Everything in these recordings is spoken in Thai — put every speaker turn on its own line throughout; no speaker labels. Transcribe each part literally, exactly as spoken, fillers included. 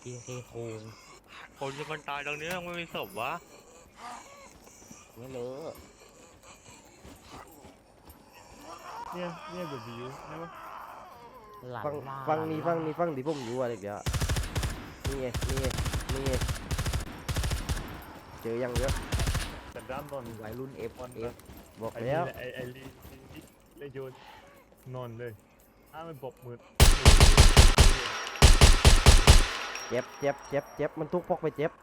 เคเคโคง
คนจะมันตายตรงนี้ไม่มีศพวะ
ไม่รู้
เนี่ยเนี่ยกดวิวได้ปะ
หลัง
ฟัง
ล่า
ฟัง
หลั
นี่
ล่า
ฟังนี่ฟังที่ผมอยู่อะไรเดี๋ยวนี่ไงนี่ไงนี่ไงเจอยังเยอะ
แต่ด้านนอน
วัยรุ่นเอฟ
นอน
เอฟ
บอก
ไอ้
แล้
นี่
ว
แหละไอ้ไอ้ลีลีเลยโยนนอนเลยถ้ามันปบมือ
เจ็บเจ็บเจ็บเจ็บมันทุกพกไปเจ็บ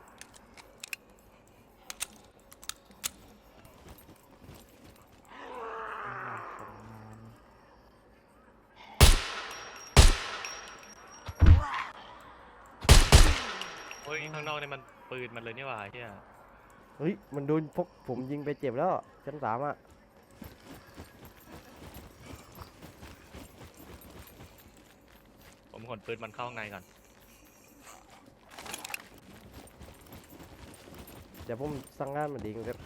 เฮ้ยข้างนอกเนี่ยมันปืนมันเลยนี่หว่าเฮีย
เฮ้ยมันโดนพกผมยิงไปเจ็บแล้วชั้นสามอ่ะ
ผมขนปืนมันเข้าข้างในก่อน
เดี๋ยวผมสั่งงานมาดีครับ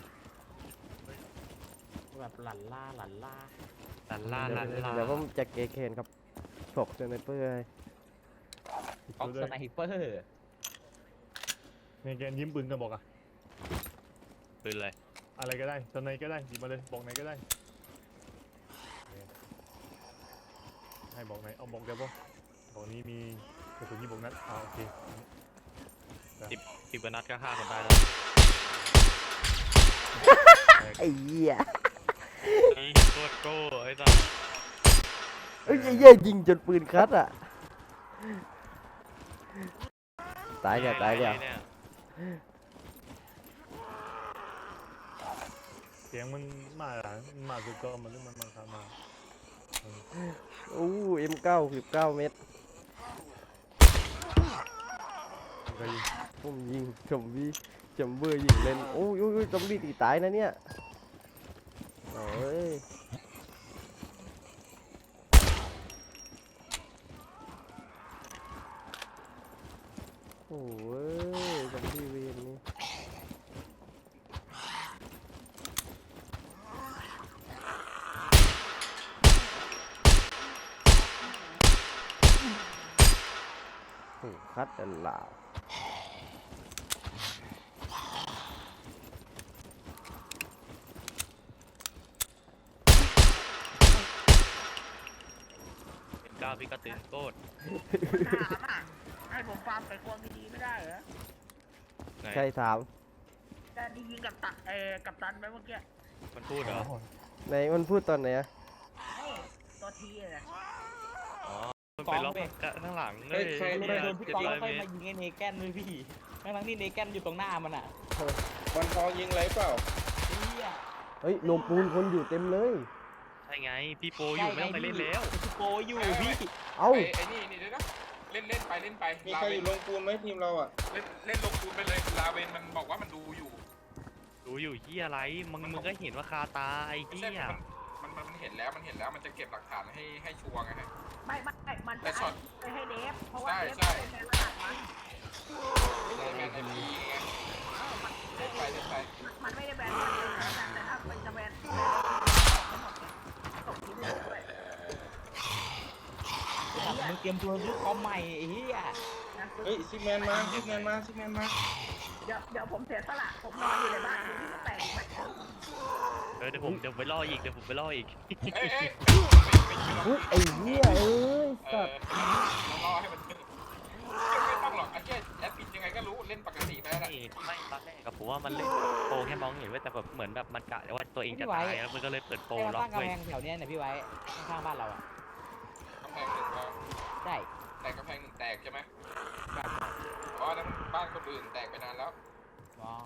แบบหลันล่าหลันล่า
ลันล่าลันล่า
เดี๋ยวผมจะเกเคนครับถกจนในเปื่อย
ออกสไนเปอร์
ในแกนยิ้มปืนกันบอกอะ
ปืนเลย
อะไรก็ได้ตอนไหนก็ได้หยิบมาเลยบอกไหนก็ได้ให้บอกไหนเอาบอกเดี๋ยวบอกบอกนี้มีกระสุนยี่บอกนัดอ่าโอเค
สิบสิบกว่านัดก็ฆ่าคนได้แล้ว
ไอ้เหี้ย
นี่โคตรโก้ไอ้สัส
เอ้ยไอ้เหี้ยยิงจนปืนคัดอ่ะตายเนี่ยตายเนี่ย
เนี่ย
เสียงมันมาหลังมาสุดก็มันเรื่องมันมาขามา
อู้เอ็มเก้าสิบเก้าเมตร
ใครยิง
ผมยิงจมวีจมเบอร์ยิงเล่นโอ้ยโอ้ยจมวีตีตายนะเนี่ยโอ้ยโอ้ยจมวีเวนนี่โอ้คัดอันลาว
เป็นก้าวพิกาตืนโคตร
ถามอ่ะให้ผมฟาร์มไก่ควงดีๆไม่ได้เหรอ
ไหน
ใครถาม
แต่ดียิงกับตันเอ่อกับตันไปเมื่อกี้
มันพูดเหรอ
ไหนมันพูดตอนไหนอะ
เฮ้ยตัวทีเลย
อ๋อมันไปล็อกข้างหลังเลย
ใคร
เหี้
โด
ย
นโดนพี่
เจ็ด
กอง
ร้อย
ค่อย
เม
มา
ตร
ยิงไอ้เนแกนด้วยพี่ทั้งที่เนแกนอยู่ตรงหน้ามันอ่ะ
วันทองยิงไรเปล่า
เฮีย
เฮ้ยโลมปูนคนอยู่เต็มเลย
ใช่ไงพี่โปอยู่ไม่ต้องไปเล่นแล้ว
พี่โปอยู่พี่
เอ้า
ไอ้ไอ้นี่นี่เดี๋ยวนะเล่นเล่นไปเล่นไปมีใครอยู่ลงปูนไหมทีมเราอ่ะเล่นเล่นลงปูนไปเลยลาเวนมันบอกว่ามันดูอยู่
ดูอยู่เฮียอะไรมึงมึงก็เห็นว่าคาตาไอ้
ไม่
เฮี
ใช่
ย
มันมันมันเห็นแล้วมันเห็นแล้วมันจะเก็บหลักฐานให้ให้ชัวร์ไงฮะ
ไม่ไม่ไม่มัน
แต่
จะ
ช็อต
ไปให้เดฟเพราะว่า
ใช่
เดฟ
ใช่
เป็นแมนขนาดมัน
ไม่ใช่แมนไอพีไงเล่นไปเล่นไป
มันไม่ได้แบนมันเลยนะแต่ถ้าเป็นจะแบนตกทีมเลยด้วย
มึงเตรียมตัวซื้อคอมใหม่ไอ้เฮีย
นะ
เฮ้ยซิกแมนมาซิกแมนมาซิกแมนมา
เดี๋ยวเดี๋ยวผมเสียสละผมนอนอยู่ในบ้านที่แตกไหม
เออเดี๋ยวผมเดี๋ยวไปล่ออีกเดี๋ยวผมไปล่ออีก
เอ้ยเอ้ยไม่ไม่
อุ๊ยไอ้เหี้ยเอ้ย
เอ
สั
อ
ตว์
เราล่อให้มันไม่ต้องหรอกไอ้เจ้แอดปิดยังไงก็รู้เล่นปกติไปแล้ว
ไม่ไม่ตอนแรกกับผมว่ามันเล่นโปรแค่มองเห็นไว้แต่แบบเหมือนแบบมันกะว่าตัวเองจะตายแล้วมันก็เลยเปิดโปร
ให้มา
ล็อ
ตั้
ก
งกำ
ไว้
แพงแถวเนี้ยเนี่ยพี่ไว้ข้างๆบ้านเราอ่ะ
กำแพงหนึ่งก็
ได้
แตกกำแพงหนึ่งแตกใช่ไหมเพราะนั้นบ้านคนอื่นแตกไปนานแล้ว
อ๋อ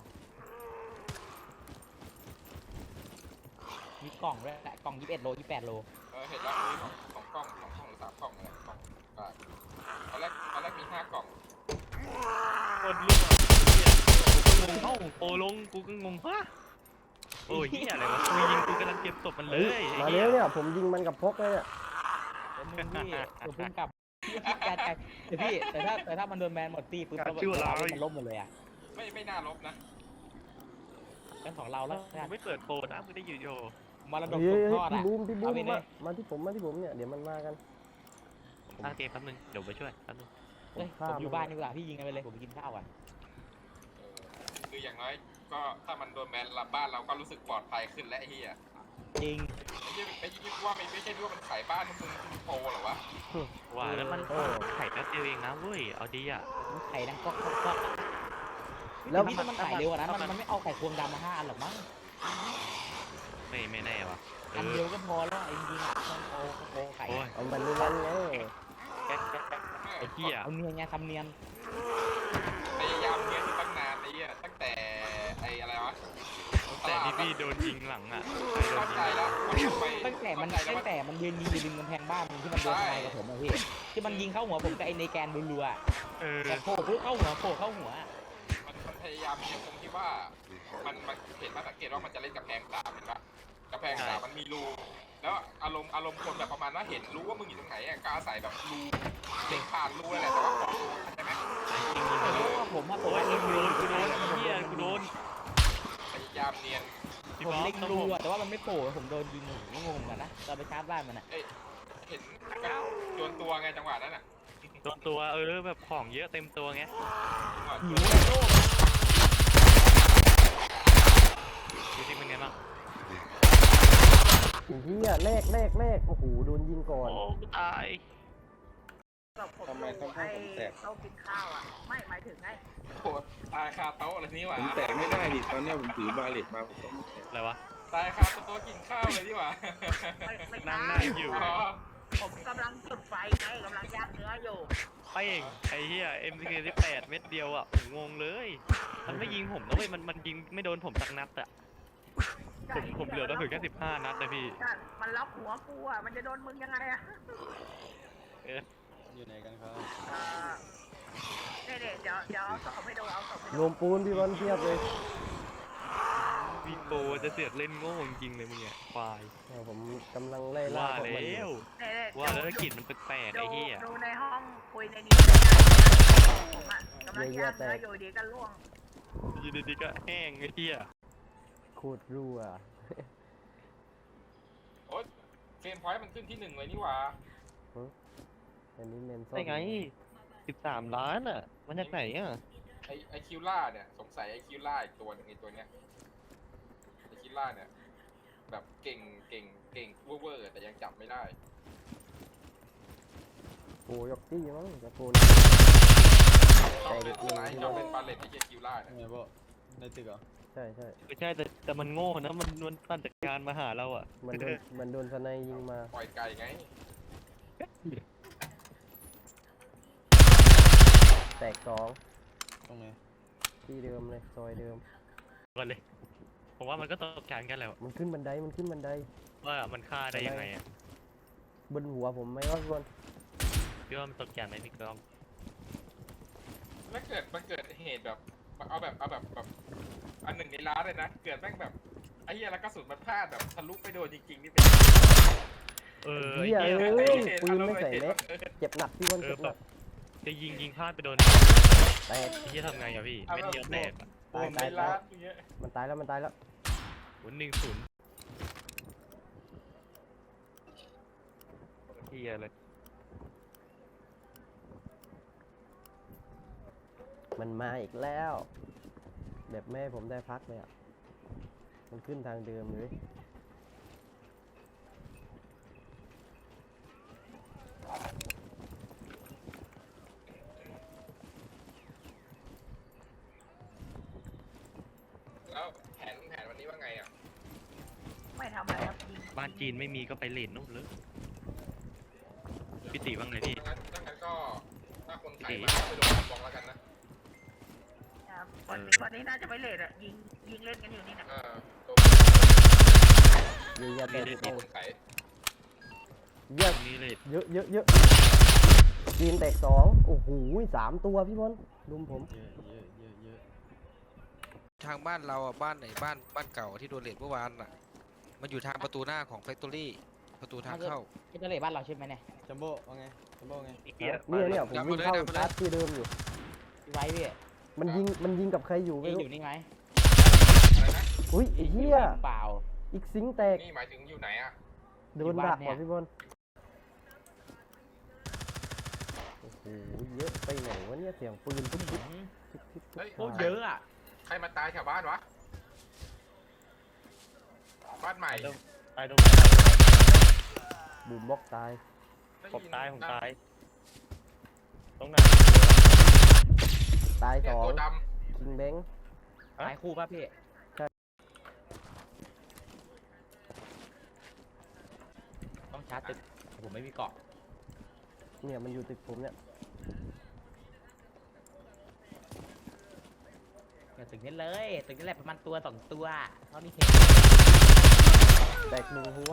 มีกล่องด้วยแหละกล่องยี่สิบเอ็ดโลยี่สิบแปดโล
เออเห็นแล้วมีสองสองกล่องสองกล่องหรือสามกล่องอะไรกล่องอ่าตอนแรกตอนแรกมีห้ากล่อง
คนเรื่องกูก็งงเอ้าโปรลงกูก็งงฮะโอ้ยเฮียอะไรวะกูยิงกูกำลังเก็บศพมันเลย
มาแล้วเนี่ยผมยิงมันกับพกเลยเนี่ย
เป็นมึงพี่ตัวเพิ่งกลับแต่แต่แต่พี่แต่ถ้าแต่ถ้ามันโดนแบนหมดตีปุ๊บเรามันล้มหมดเลยอ่ะ
ไม่ไม่น่าลบนะ
เป็นของเราแล้ว
กูไม่เปิดโปรนะมึงได้อยู่โย
มาระดม
เฮ้
ต
ย
ก
เฮ้ย
ทอด
พี่
อ่ะ
บูมพี่บูม
เอาไปดิ
มามาที่ผมมาที่ผมเนี่ยเดี๋ยวมันมากัน
ผมตั้งเกมแป๊บนึงเดี๋ยวไปช่วยแป๊บนึง
ผ
เฮ้ยผมอยู่บ้านดีกว่าพี่ยิงกันไปเลยผมไปกินข้าวก่อน
เออคืออย่างน้อยก็ถ้ามันโดนแบนรับบ้านเราก็รู้สึกปลอดภัยขึ้นและไอ้เหี้ย
จริง
ไอ้เหี้ยไอ้เหี้ยว่าไม่ไม่ใช่ว่ามันขายบ้านมึงมึงโปรเหรอวะ
ว่าแล้วมันไข่แป๊บเดียวเองนะเว้ยเอาดีอ่ะ
มันไข่ดังก็ก็ก็
แล้
แล้ว วพี่ถ้ามันไข่เร็วกว่านั้นมันมันไม่เอาไข่ควงดำมาห้าอันหรอกมั้ง
ไม่ไม่แน่วะเอ
อัน
อ
เดียวก็พอแล้วไอ้จริงๆอ่ะมันโอ้โหไข่
โอ้ย
เอามันเล่นไง
แก๊กแก๊กแก๊กไอ้เหี้ย
เอาเนียนไงทำเนียน
พยายามเนียนอยู่ตั้งนานไอ้เหี้ยตั้งแต่ไอ้อะไรวะ
แต่ที่พี่โดนยิงหลังอ่ะโดน
เข้า
ยิง
ใจแล้วว่าทำไม
ตั้งแต่มัน
เข้าใจแล้ว
ตั้
ว่าง
แต่มันยืนยิงอยู่ริมกำแพงบ้านที่มันโดนทนายกับผมอะพี่ที่มันยิงเข้าหัวผมกับไอ้ในแกนรัวๆอะ
เออ
แต่โผล่ปุ๊บเข้าหัวโผล่เข้าหัว
มันมันพยายามเนียนตรงที่ว่ามันมันเห็นมาสังเกตว่ามันจะเล่นกับแพงสามเห็นปะกระแพงสามมันมีรูแล้วอารมณ์อารมณ์คนแบบประมาณว่าเห็นรู้ว่ามึงอยู่ตรงไหนอ่ะก็อาศัยแบบรูเด็กผ่านรูนั่นแหละแต่ว่าขอรูใช่ไหม
จริงๆ
แต่
มัน
รู้ว่าผมอะผม
โอ้ย
ว่า
กู
เล็ง
โด
รู
นกูโดนไอ้เหี้ยกูโดน
พยายามเนียน
พี่
ผม
บ๊อบ
เล็ง
ต้อง
รู
ผม
อะแต่ว่ามันไม่โผล่ผมโดนยิงผมก็งงเหมือนกันนะตอนไปชาร์จบ้านมันอะ
เอ้ยเห็นกับโดนตัวไงจังหวะนั้นอ่ะ
โดนตัวเออแบบของเยอะเต็มตัวไง
หิวเลยโลก
ดูที่เป็นไงบ้าง
ไอ้เหี้ยแรกแรกแรกโอ้โหโดนยิงก่อน
โอ้กูตาย
แบบผมดูไอ้โต๊ะกินข้าวอ่ะ ไม่หมายถึงไง
โคตรตายคาโต๊ะอะไรนี่หว่า
ผมแตะไม่ได้ดิตอนเนี้ยผมถือบาเลตมาผมต้องไม่แตะ
อะไรวะ
ตายคาโต๊ะกินข้าวเลยนี่หว่า
ไม่ไม่
นั่ง
ได้
นั่งอยู่
อ๋อ
ผมกำลังจุดไฟไงกำลังย่างเนื้ออยู่
เป้งไอ้เหี้ย เอ็ม ซี เค สิบแปด เม็ดเดียวอ่ะผมงงเลย มันไม่ยิงผมนะเว้ยมันมันยิงไม่โดนผมสักนัดอ่ะผมผมเหลือแล้วถึงแค่สิบห้านัดเลยพี่
ใช่มันล็อกหัวกูอ่ะ มันจะโดนมึงยังไงอ่ะ
อยู่ไหนกันครับ
เอ่อเนี่ยเนี่ยเดี๋ยวเดี๋ยวเอาศพให้ดูเอาศพให้
ร
ดู
วมปูนพี่บอลเทียบเลย
วีโปจะเสือกเล่นโง่จริงๆเลยมึงเนี่ยควาย
เนี่ยผมกำลังไล่ล่า
ว่า
พวกมัน
แล้
อยู่
ว
เนี่ยเนี่ย
ว่าแล้วกลิ่นมันแปลกๆ
ดู
ไอ้เหี้ย
ดูในห้องคุยในนี้เลยนะผมอ่ะกำลังย่างเนื้ออยู่ดีก็ล่วง
อยู่ดีๆก็แห้งไอ้เหี้ย
โคตรรั่ว
โอ๊ยเฟรมพอยต์มันขึ้นที่หนึ่งเลยนี่หว่า
อันนี้เมนซ่อ
ได้ไงสิบสามล้านอ่ะมันจากไหนอ่ะ
ไอไอคิวล่าเนี่ยสงสัยไอคิวล่าอีกตัวหนึงไอตัวเนี้ยไอคิวล่าเนี่ยแบบเก่งเก่งเก่งเวอร์ๆแต่ยังจับไม่ได้
โอ้ยกตี้มั้งจะโกน
ชอบเล่นอะไรชอบเล่นบาเลตไอเหี้ยคิวล่าเนี่ย
ไงบ่ในตึกเหรอ
ใช่ใช่
ไม่ใช่แต่แต่มันโง่นะมันมันปั่นจักรยานมาหาเราอ่ะ
มันโดนมันโดนสไนยิงมา
ปล่อยไก่ไง
แตกสอง
ตรงไหน
ที่เดิมเลยซอยเดิม
ก่อนเลยผมว่ามันก็ตกใจกันแหละ
มันขึ้นบันไดมันขึ้นบันได
ว่ามันฆ่าได้ยังไงอ่ะ
บนหัวผมไหมวะพี่บอล
พี่ว่ามันตกใจไหมพี่กล้อง
แล้วเกิดมันเกิดเหตุแบบเอาแบบเอาแบบแบบอันหนึ่งในล้านเลยนะเกิดแม่งแบบไอ้เหี้ยแล้วกระสุนมันพลาดแบบทะลุไปโดนจริงๆนี่เป็น
เออ
เหี้ย
ไอ้
เอ้
เหี้ย
ยปืนไม่ใส่เล็กเจ็บหนักพี่บอล
เออ
เจ็บห
แบ
นั
บ
ก
จะยิงยิงพลาดไปโดน
แตก
ไอ้เหี้ยทำไงอ่ะพี่เม็ดเดียวแตกอ่ะ
โดนในล้านอย่างเงี้ย
มันตายแล้วมันตายแล้ว
ศูนย์หนึ่งศูนย์เหี้ยเลย
มันมาอีกแล้ว แบบแม่ให้ผมได้พักเลยอ่ะมันขึ้นทางเดิมเลย
แล้วแผนแผนวันนี้ว่าไงอ่ะ
ไม่ทำอะไรครับยิง
บ้านจีนไม่มีก็ไปเลนนู่นเลยพี่ติว่าไงพี่
ดังนั้นดังนั้นก็ถ้าคนขายมาก็ไปโดนบองแล้วกันนะ
นะครับวันนี้วันนี้น่าจะไม่เลทอ่ะยิงยิงเล่นกันอยู่นี่นะ
เออตัว
เยอะแยะเต็มไปหม
ค
ด
นขาย
เยอะ
ตรงนี้เลย
เยอะเยอะเยอะจีนแตกสองโอ้โหสามตัวพี่บอลลุมผม
เยอะเยอะเยอะเยอะ
ทางบ้านเราอ่ะบ้านไหนบ้านบ้านเก่าที่โดนเลทเมื่อวานอ่ะ มันอยู่ทางประตูหน้าของแฟคทอรี่ประตูทางเข้า
เป็นทะเลบ้านเราใช่ไหมเนี่ย
จัมโบ้ว่าไงจัมโบ้ไง
ไอ้เหี้ย
เนี่ยเนี่ยผม
ดับ
วิ่ง
มาเลย
เข้า
ดับมาเลย
ชาร์จที่เดิมอยู่
พี่ไว้พี่
มันยิงมันยิงกับใครอยู่ไม่
นี่
รู้
อยู่นี่ไหม
อะไรนะ
อุ้ยไอ้เหี้ย
เปล่า
อีกซิงค์แตก
นี่หมายถึงอยู่ไหนอ่ะ
โดนดักว่ะพี่บอลโอ้โหโหเยอะไปไหนวะเนี่ยเสียงปืนทุกทิศทุกทิศทุก
เฮ้ย
โคตรเยอะอ่ะ
ใครมาตายแถวบ้านวะ บ้านใหม่
ตายตรง
บูมบล็อกตาย
ผมตายผมตาย ตรงไหน
ตาย
เนี่
ส
ย
อง
ตัวด
คิงแบงค์
ตายคู่ป่ะพี่
ใช่
ต้องชาร์จตึกผมไม่มีเกาะ
เนี่ยมันอยู่ตึกผมเนี่ย
อย่าตึกนี้เลยตึกนี้แหละประมาณตัวสองตัวเท่านี้เห็น
แตกหนึ่งหัว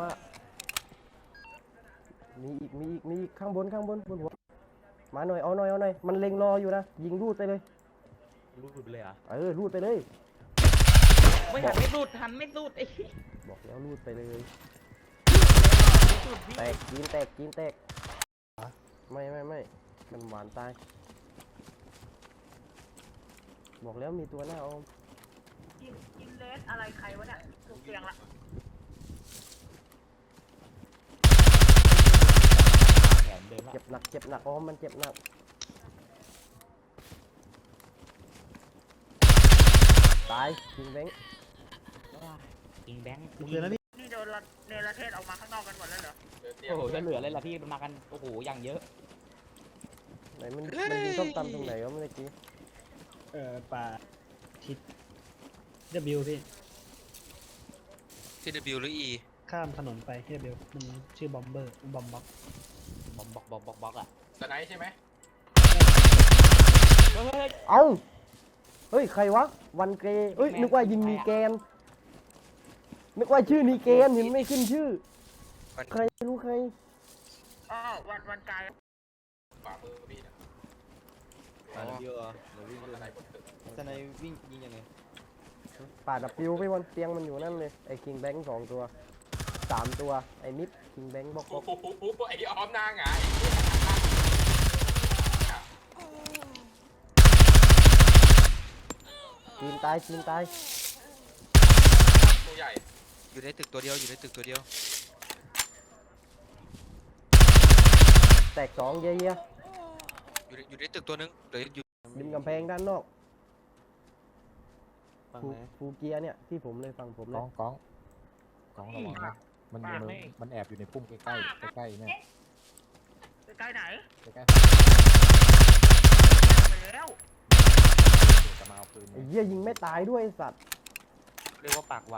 มีอีกมีอีกมีอีกข้างบนข้างบนบนหัวมาหน่อยเอาหน่อยเอาหน่อยมันเล็งรออยู่นะยิงรูดไปเลย
รูดไปเลยเหรอ
เออรูดไปเลย
ไม่หันไม่รูดหันไม่รูดไอ้
บอกแล้วรูดไปเลย
รูดพี่
แตกจีนแตกจีนแตกไม่ไม่ไม่มันหวานตายบอกแล้วมีตัวหน้าออม
กินกินเลสอะไรใครวะเนี่ยถูกเตียงละ
แขนเดินละ
เจ็บหนักเจ็บหนักออมมันเจ็บหนักตายคิงแบงค์
อิงแบงค์
นี่โดนละเนรเทศออกมาข้างนอกกันหมดแล้วเหรอ
ำเดินเตียง
โอ้โหจะเหลือเลยล่ะพี่มันมากันโอ้โหอย่างเยอะ
ไหนมันมันยิงส้มตำตรงไหนวะเมื่อกี้
เอ่อป่าทิศ W พี่
ที่ W หรือ E
ข้ามถนนไปที่ W มันชื่อบอมเบอร์บอมบ็อก
บอมบอกบอกบอกบอกอ่ะ
สไนป์ใช่ไหม
เฮ้ยเฮ้ย
เอ้าเฮ้ยใครวะวันเกย์เอ้ยนึกว่ายิงนีแกนนึกว่าชื่อนีแกนเห็นไม่ขึ้นชื่อ
วัน
ใครรู้ใคร
อ๋อวันวันกาย
ฝ่ามือพี่นะ
อ่าเดียวเหรอเดี๋ยววิ่ง
ส
ดู
ไนป์บนตึก
สไนวิ่งยิงยังไง
ป่าดับฟิวไปวันเตียงมันอยู่นั่นเลยไอ้คิงแบงค์สองตัวสามตัวไอ้มิดคิงแบงค์บอกบ
โอ้
อก
โหไอ้ออมนางหงาย
จีนตายจีนตาย
ตัวใหญ่
อยู่ในตึกตัวเดียวอยู่ในตึกตัวเดียว
แตกสองเยี่ย
อยู่ในอยู่ในตึกตัวหนึงเดี๋ยวอยู่
ๆริมกำแพงด้านนอก
ฝั่ง
ฟู
ไหน
ฟูเกียเนี่ยที่ผมเลยฝั่งผมเล
ก้
ย
องก้องก้องระวังนะมันอยู่ในมันแอบอยู่ในพุ่มใกล้ๆใกล้ๆเนี่ย
ใกล้ไหน
ใกล้
ไปแล้ว
ๆจะมาเอาปืน
ไอ้เหี้ยยิงไม่ตายด้วยไอ้สัตว์
เรียกว่าปากหว่า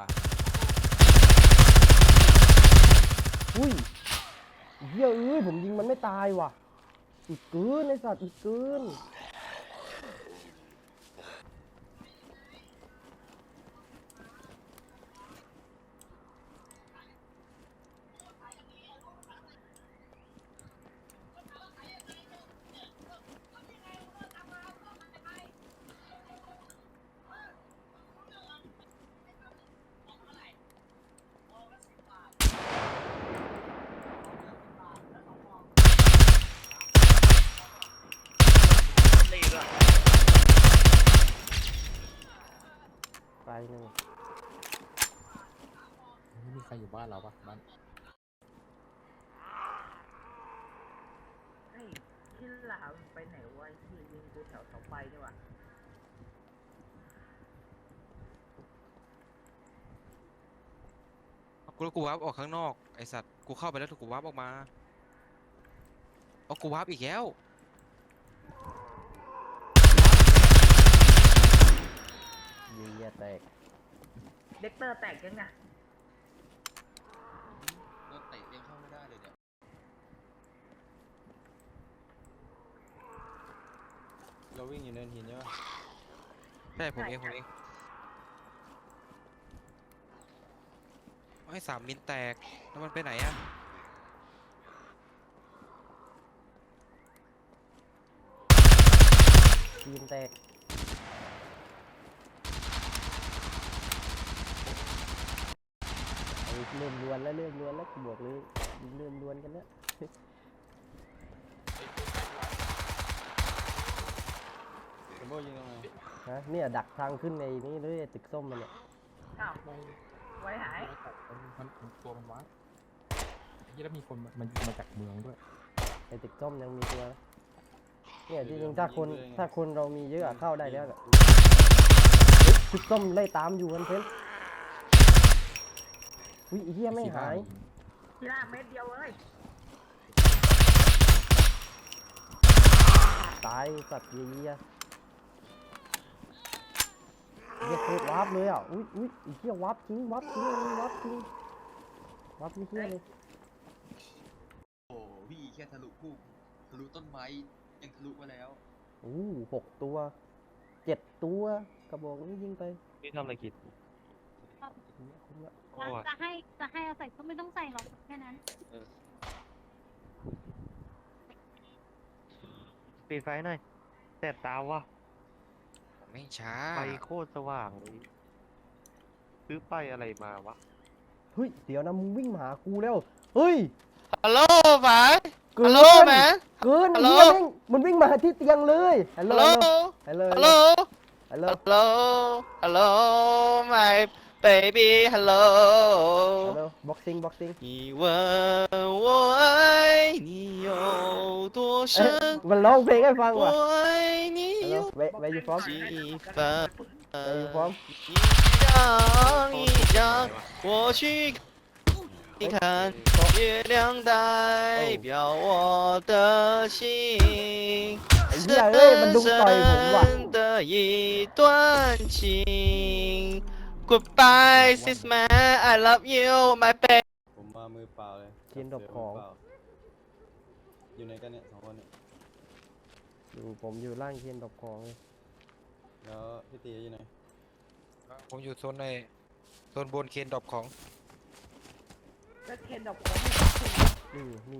อุ้ยไอ้เหี้ยเอ้ยผมยิงมันไม่ตายว่ะอีกเกินไอ้สัตว์อีกเกิน
นี่ด้วย
ตายหนึ่ง
ไม่มีใครอยู่บ้านเราปะบ้าน
เฮ้ยที่หลามันไปไหนวะที่ยิงกูแถวเสาไฟนี่วะ
กูกูวาร์ปออกข้างนอกไอสัตว์กูเข้าไปแล้วถูกกูวาร์ปออกมาเอากูวาร์ปอีกแล้ว
เยี่ยแตก
เด็กเตอร์แตกยังไง
โดนเตะยังเข้าไม่ได้เลยเนี่ย
เราวิ่งอยู่เนินหินใช่ปะ
ใช่ผมเองผมเองไอ้สามมิลแตกแล้วมันไปไหนอะ
จีนแตกไอ้เริ่มลวนแล้วเริ่มลวนแล้วกูบอกเลยยิงเริ่มลวนกันแล้ว
จัมโบ้ยิงตรงไหน
ฮะเนี่ยดักทางขึ้นในนี้เลยไอ้ตึกส้มมันเนี่ย
อ้าวไว้หาย
มันมันตัวมันวัดที่แล้วมีคนมันยิงมาจากเมืองด้วย
ไอ้ตึกส้มยังมีตัวนะเนี่ยจริงๆถ้าคนถ้าคนเรามีเยอะอะเข้าได้แล้วแหละชุดส้มไล่ตามอยู่กันเพ้นวิเฮียไม่หาย
ทีละเม็ดเดียวเลย
ตายสัตว์เยียเรียกโคตรวับเลยอ่ะอุ้ยอุ้ยไอ้เหี้ยวับจริงวับจริงอันนี้วับจริงวับไม่เหี้ยเลย
โอ้พี่แค่ทะลุพุ่งทะลุต้นไม้ยังทะลุมาแล้ว
อู้หกตัวเจ็ดตัวกระบอกนี้ยิงไป
พี่ทำอะไรกิน
คุ้มละ
โอ้ย
จะให้จะให้เอาใส่ก็ไม่ต้องใส่หรอกแค่นั้น
ปิดไฟหน่อยแสบตาวะ
ไม่ช้า
ไฟโคตรสว่างเลยซื้อไปอะไรมาวะ
เฮ้ยเดี๋ยวนะมึงวิ่งมาหากูแล้วเฮ้ย
ฮัลโหลไป
เกิน
ฮัลโหลแมน
เกิน
ฮั
ไอ้
ลโหล
เหี้ยแม่งมันวิ่งมาที่เตียงเลยฮัลโหล
ฮัลโหล
ฮัลโหล
ฮัลโหล
ฮัลโหล
ฮัลโหลฮัลโหล my baby ฮัลโหล
ฮัลโหลบ็อกซิ่งบ็อกซิ่ง
你问我爱你有多
เอ๊ะ
深
มันร้องเพลงให้ฟัง
我
ว่ะ
爱你
ฮัลโหล
有
เวเวยูฟอม
几分
เวยูฟอม
一张一张我去你看月亮代表我的心
ไอ้เหี้ยเอ้ยมันดุงต่อยผมว่ะ
深的一段情 Goodbye sis man I love you my baby
ผมมามือเปล่าเลย
เทียนดอกของ
มืเปล่าอยู่ไหนกันเนี่ยสองคนเนี่ย
อยู่ผมอยู่ล่างเทียนดอกของเลย
แล้วพี่ตีอยู่ไหน
ผมอยู่โซนในโซนบนเคนดรอปของ
แล้วเคนดอกของ
นี่นี่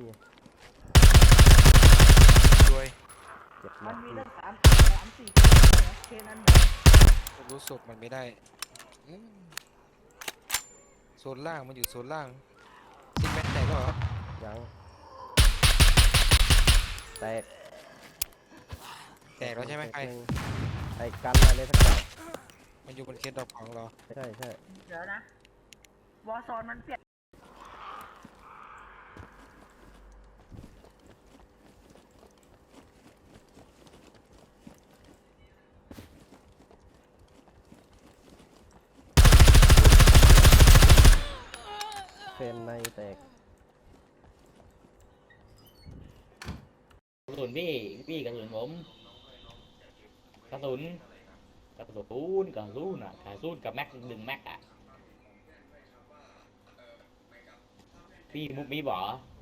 ด้วย
เจ็บ
มั
มาน ก
มีตั้งสามสามสี่เคนนั้นหมด
รู้ศพมันไม่ได้อืมโซนล่างมันอยู่โซนล่างซิกแมนแตกแล้วเหรอ
ยังแตก
แตกแล้วใช่ไหมใคร
แตกนึ่งไอ้กันอะไรสักอย่าง
มันอยู่บนเคนดรอปของเรา
ใช่ใช่
เดี๋ยวนะวอร์ซอนมันเปลี่ยน
เฟรนในแตก
กระสุนพี่พี่กระสุนผมกระสุนกระสุนกระสุนอ่ะกระสุนกับแม็กหนึ่งแม็กอ่ะพี่มุกมีบ่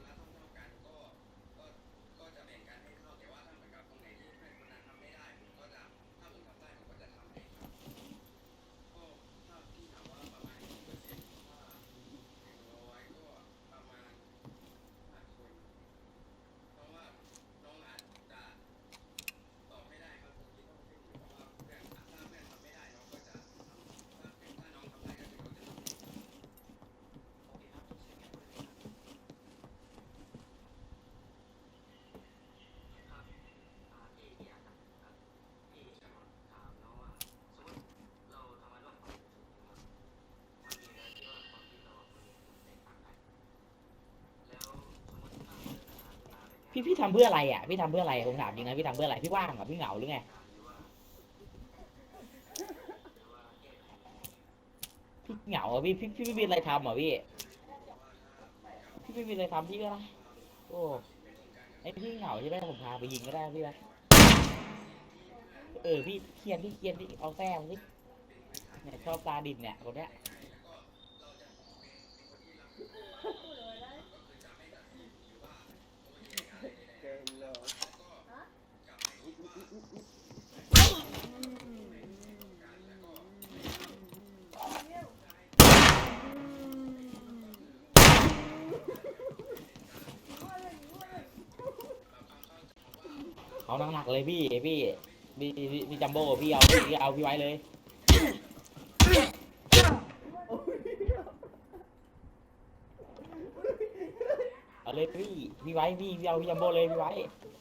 พี่พี่ทำเพื่ออะไรอ่ะพี่ทำเพื่ออะไรผมถามจริงนะพี่ทำเพื่ออะไรพี่ว่างเหรอพี่เหงาหรือไงพี่เหงาอ่ะพี่พี่พี่ไม่มีอะไรทำเหรอพี่พี่ไม่มีอะไรทำพี่ก็ได้โอ้ไอพี่เหงาใช่ไหมผมพาไปยิงก็ได้พี่นะเออพี่เคียนพี่เคียนพี่เอาแซมพี่เนี่ยชอบตาดิบเนี่ยคนเนี้ยเอาหนักๆเลยพี่พี่พี่พี่จัมโบ้พี่เอาพี่เอาพี่ไว้เลยเอาเลยพี่พี่ไว้พี่พี่เอาพี่จัมโบ้เลยพี่ไว้